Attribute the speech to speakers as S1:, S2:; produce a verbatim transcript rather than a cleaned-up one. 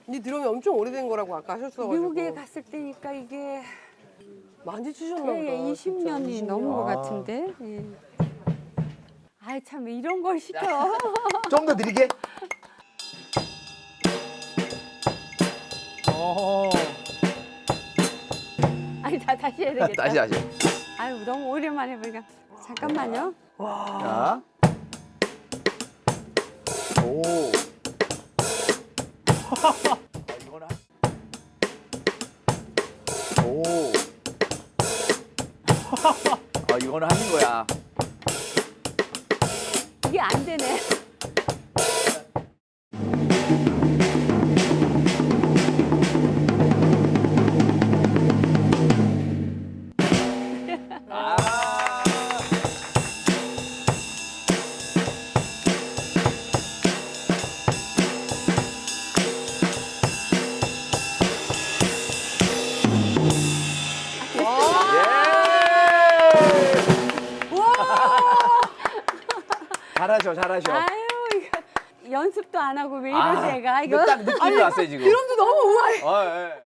S1: 이 드럼이 엄청 오래된 거라고 아까 하셨어가지고.
S2: 미국에 갔을 때니까 이게
S1: 많이 치셨나 보다.
S2: 예, 예, 이십 년이
S1: 진짜.
S2: 넘은 것
S3: 아.
S2: 같은데. 예. 아이 참 이런 걸 시켜.
S3: 좀 더 느리게. 어.
S2: 아니 다 다시 해야 되겠다.
S3: 다시 다시.
S2: 아유 너무 오랜만에 보니까. 잠깐만요.
S3: 자. 오. 아, 이거는 한- 오. 아, 이거는 하는 거야.
S2: 이게 안 되네.
S3: 아. 잘하셔, 잘하셔.
S2: 아유 이거 연습도 안 하고 왜
S3: 아,
S2: 이러지 애가
S3: 이거
S2: 이거.
S3: 딱 느낌이 왔어요, 지금.
S1: 드럼도 너무 우아해.
S3: 어, 예.